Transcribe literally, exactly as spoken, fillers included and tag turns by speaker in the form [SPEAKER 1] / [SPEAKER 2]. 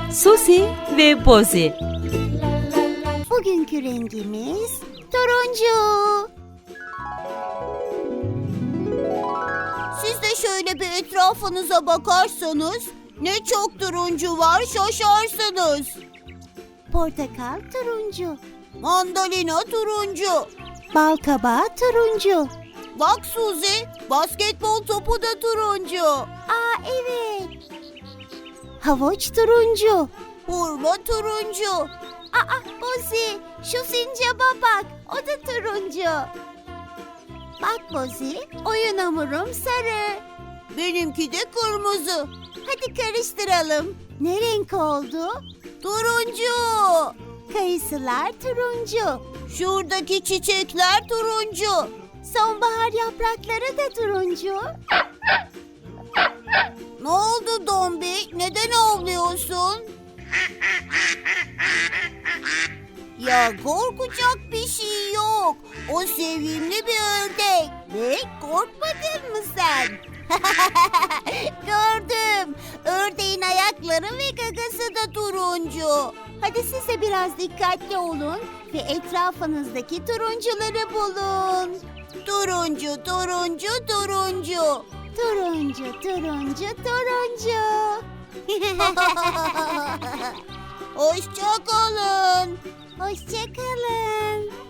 [SPEAKER 1] Susi ve Bozi.
[SPEAKER 2] Bugünkü rengimiz turuncu. Siz de şöyle bir etrafınıza bakarsanız ne çok turuncu var, şaşarsınız. Portakal turuncu. Mandalina turuncu. Balkabağı turuncu. Bak Suzi, basketbol topu da turuncu. Aa evet. Havuç turuncu. Hurma turuncu. Aa Bozi, şu sincaba bak, o da turuncu. Bak Bozi, oyun hamurum sarı. Benimki de kırmızı. Hadi karıştıralım. Ne renk oldu? Turuncu. Kayısılar turuncu. Şuradaki çiçekler turuncu. Sonbahar yaprakları da turuncu. Ne oldu Dombi? Neden ağlıyorsun? Ya korkacak bir şey yok. O sevimli bir ördek. Ne? Korkmadın mı sen? Gördüm. Ördeğin ayakları ve gagası da turuncu. Hadi siz de biraz dikkatli olun ve etrafınızdaki turuncuları bulun. Turuncu, turuncu, turuncu. Turuncu, turuncu, turuncu. Hoşça kalın. Hoşça kalın.